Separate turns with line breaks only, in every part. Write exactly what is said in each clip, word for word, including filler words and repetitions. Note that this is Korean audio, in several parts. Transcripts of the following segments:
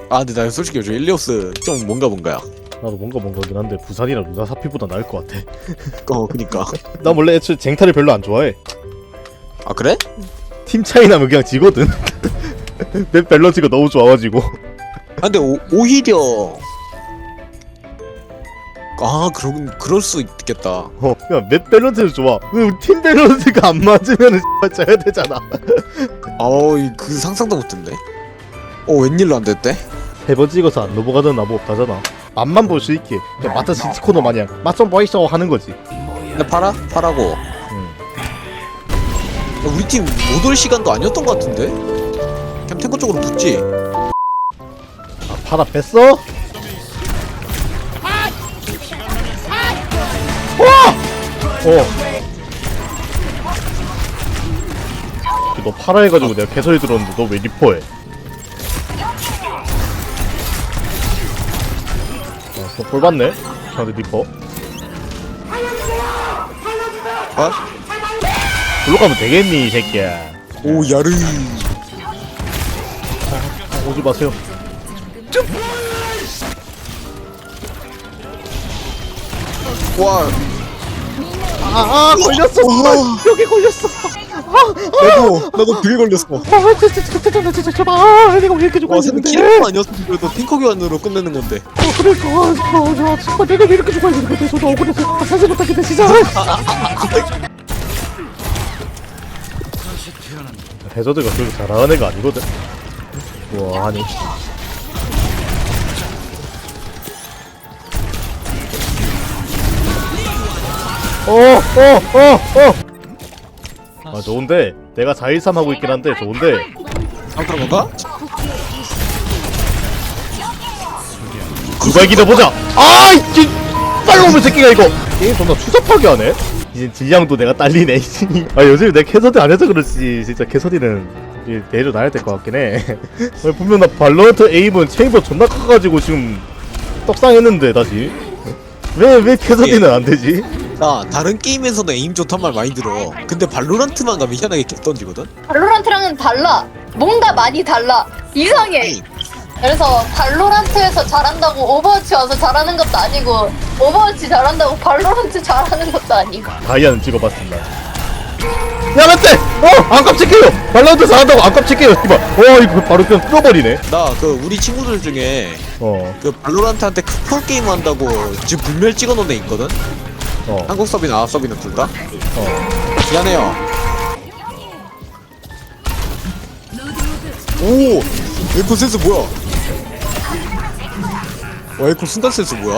아 근데 난 솔직히 요즘 일리오스 좀 뭔가 뭔가야.
나도 뭔가 뭔가긴 한데 부산이랑 누나사피보다 나을 것 같아.
어 그니까.
나 원래 애초에 쟁탈을 별로 안 좋아해.
아 그래?
팀 차이 나면 그냥 지거든. 내 밸런스가 너무 좋아가지고.
아 근데 오, 오히려 아 그런 그럴 수 있겠다.
어, 그냥 맵 밸런스는 좋아. 근데 팀 밸런스가 안 맞으면은 져야 되잖아.
아우 그 상상도 못했네. 어 웬일로 안 됐대?
세번 찍어서 안 넘어가던 나뭐 없다잖아. 맛만 볼 수 있게 그냥 마트 시티코너 마냥 맛 좀 보이소 하는 거지.
근데 팔아? 팔아고.
응.
야, 우리 팀 못 올 시간도 아니었던 것 같은데? 그냥 탱커 쪽으로 붙지?
아 팔아 뺐어? 어. 너 팔아 해가지고 내가 개소리 들었는데 너 왜 리퍼해? 어, 너볼 봤네? 저한테 리퍼.
아?
글로 가면 되겠니 이 새끼야.
오 야르.
오지 마세요.
와.
아, 아 걸렸어.
와.
여기 걸렸어.
나도 나도 그게 걸렸어.
아 진짜 진짜 진짜 진짜 제발. 아 내가 왜 이렇게
와
죽어
근데
있는데?
키리코 아니었으면 그래도 탱커 교환으로 끝내는 건데.
어 그러니까 아, 아, 정말 내가 왜 이렇게 죽어 있는 건데 저도 억울해서 아, 사실 못하겠다 진짜. 해저드가 그렇게 잘하는 애가 아니거든. 와 아니. 어어어어 아 좋은데 내가 사 일삼 하고 있긴 한데 좋은데.
아 그런 건가?
누가 이기나 보자. 아 이게 빨리 오면 새끼가 이거 게임 존나 추잡하게 하네. 이제 질량도 내가 딸리네. 아 요즘 내가 캐서디 안 해서 그렇지 진짜 캐서디는 내려놔야 될 것 같긴 해. 분명 나 발로란트 에임은 체인버 존나 커가지고 지금 떡상했는데 다시 왜 왜 캐서디는 안 되지?
나 다른 게임에서는 에임 좋단 말 많이 들어. 근데 발로란트만 가면 희한하게 개 던지거든?
발로란트랑은 달라. 뭔가 많이 달라. 이상해.
아니,
그래서 발로란트에서 잘한다고 오버워치 와서 잘하는 것도 아니고 오버워치 잘한다고 발로란트 잘하는 것도 아니고.
다이아는 찍어봤습니다. 야 맞대! 어! 안 깜찍해요! 발로란트 잘한다고 안 깜찍해요 이봐. 어 이거 바로 그냥 뚫어버리네.
나 그 우리 친구들 중에
어
그 발로란트한테 크폴 게임 한다고 지금 불멸 찍어놓은 애 있거든?
어.
한국 서비나 아랍 서비나 둘 다?
어.
미안해요. 오! 에코 센스 뭐야? 와 에코 순간 센스 뭐야?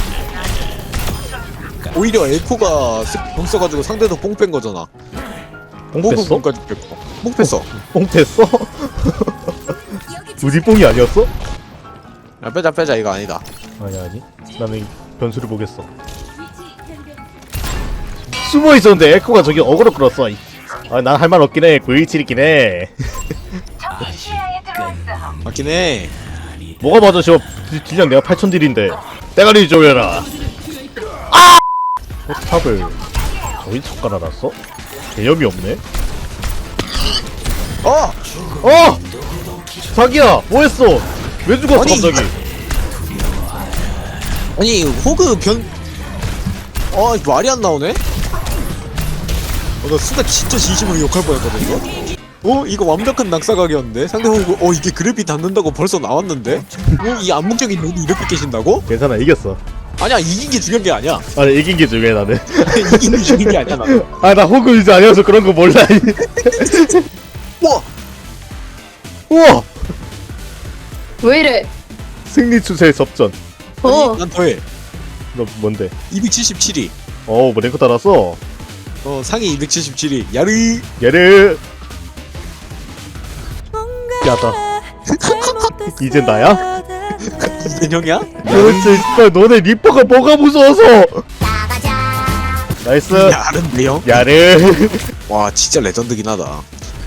오히려 에코가 뽕 써가지고 상대도 뽕 뺀 거잖아.
뽕
호그
뺐어?
뽕까지 뺐고. 뽕 뺐어.
뽕 뺐어? 우리 뽕이 아니었어?
야 빼자 빼자 이거 아니다.
아니 아니 나는 변수를 보겠어. 숨어 있었는데 에코가 저기 어그로 끌었어. 아난 할 말 없긴 해. 구일칠이긴 해.
맞긴 해.
뭐가 맞아 저 딜량 내가 팔천 딜인데 때가리 조여라. 아! 포탑을 저기 첫 깔아놨어? 개념이 없네.
어!
어! 자기야 뭐했어? 왜 죽었어
아니,
갑자기?
아니 호그 변... 아 말이 안 나오네? 어, 나 순간 진짜 진심으로 욕할 뻔했거든 이거? 어? 이거 완벽한 낙사각이었는데? 상대 호그 어 이게 그래피 닿는다고 벌써 나왔는데? 어? 이 암묵적인 룰이 이렇게 깨진다고?
괜찮아 이겼어.
아니야 이긴 게 중요한 게 아니야.
아니 이긴 게 중요해 나는.
이기는 게 중요한 게 아니야 나는.
아 나 호구 유저 아니어서 그런 거 몰라.
우와!
우와!
왜 이래?
승리 추세 접전.
어.
아니, 난 더해.
너 뭔데?
이백칠십칠위.
어우 뭐 랭크 달았어.
어 상위 이백칠십칠위. 야르.
얘를 야다. 이젠 나야?
이변형이야?
그렇지. 씨발 너네 리퍼가 뭐가 무서워서. 나이스.
야른데 형?
야를.
와 진짜 레전드긴 하다.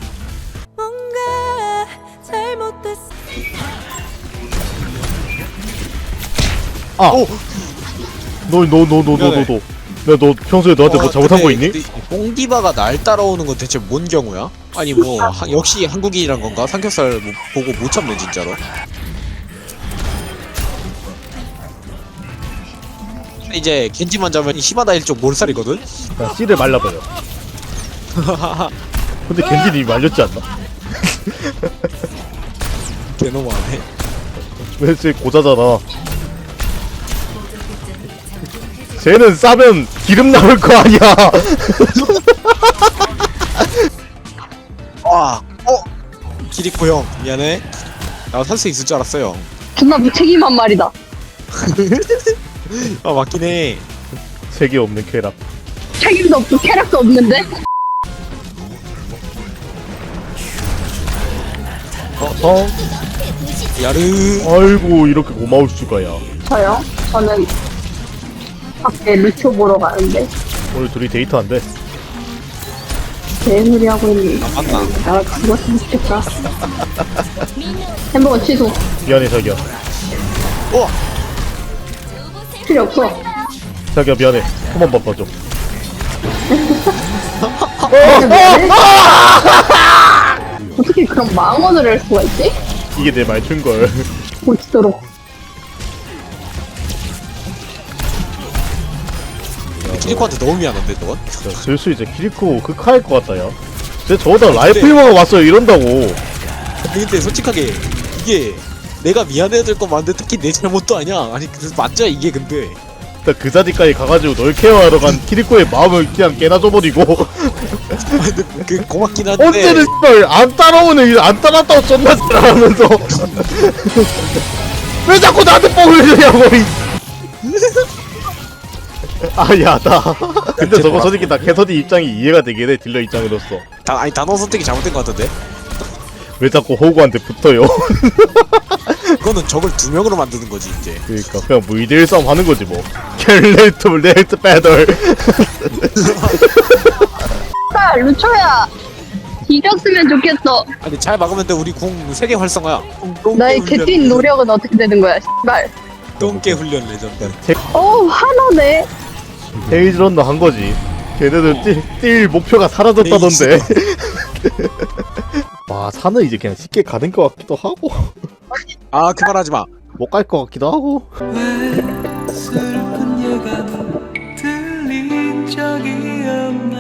아.
오!
너 너 너 너 너 너 너 너 평소에 너한테 뭐 잘못한 거 있니?
뽕디바가 날 따라오는 건 대체 뭔 경우야? 아니 뭐 하, 역시 한국인이란 건가? 삼겹살 뭐, 보고 못 참네 진짜로. 이제 겐지만 잡으면 이 히바나 일족 몰살이거든?
그냥 씨를 말려버려. 근데 겐지는 이미 말렸지 않나?
개너무하네.
왜 쟤 고자잖아. 쟤는 싸면 기름 나올 거 아니야.
와, 어? 기리코 형, 미안해. 나 살 수 있을 줄 알았어요.
존나 무책임한 말이다.
아, 맞긴 해.
색이 없는 쾌락.
책임도 없고 캐릭도 없는데?
어?
야르.
아이고 이렇게 고마울 수가야.
저요? 저는 밖에 루초 보러 가는데
오늘 둘이 데이트한대.
개소리 하고 있는.
아, 맞나?
나 죽었으면 좋겠다. 햄버거 취소.
미안해 자기야.
어!
필요 없어.
자기야 미안해. 한 번만 봐줘.
어떻게 그런 망언을 할 수가 있지?
이게 내 말투인걸.
고치도록.
키리코한테 너무 미안한데, 넌?
슬슬 이제 키리코 극화할 것 같다 야. 쟤 저보다 라이플만 왔어요 이런다고.
근데, 근데 솔직하게 이게 내가 미안해야 될 건 맞는데 특히 내 잘못도 아니야. 아니 그 맞죠 이게 근데.
일단 그 자리까지 가가지고 널 케어하러 간 키리코의 마음을 그냥 깨놔줘버리고.
아니, 근데 그 고맙긴 한데.
언제는 씨발 안 따라오는 일 안 따랐다고 존나 잘하면서 왜 자꾸 나한테 뽕을 주냐고. 아 야다. 근데 저거 솔직히 나 캐서디 입장이 이해가 되긴 해. 딜러 입장으로서
다, 아니 단어 선택이 잘못된 것 같은데.
왜 자꾸 호구한테 붙어요.
그거는 적을 두 명으로 만드는 거지 이제.
그러니까 그냥 뭐 이대일 싸움 하는 거지 뭐. 켈레이트 레이트 배들.
아, 루초야. 이겼으면 좋겠어.
아니 잘 막으면 돼. 우리 궁 세계 활성화야.
나의 개뛴 노력은 어떻게 되는 거야, 씨발.
똥개 훈련 레전드.
어우, 화나네.
헤이즈런너 한 거지. 걔네들 뛸, 뛸 목표가 사라졌다던데. 와 산은 이제 그냥 쉽게 가는 것 같기도 하고
아 그만하지 마.
못 갈 것 같기도 하고.
왜 슬픈 예감 들린 적이 없나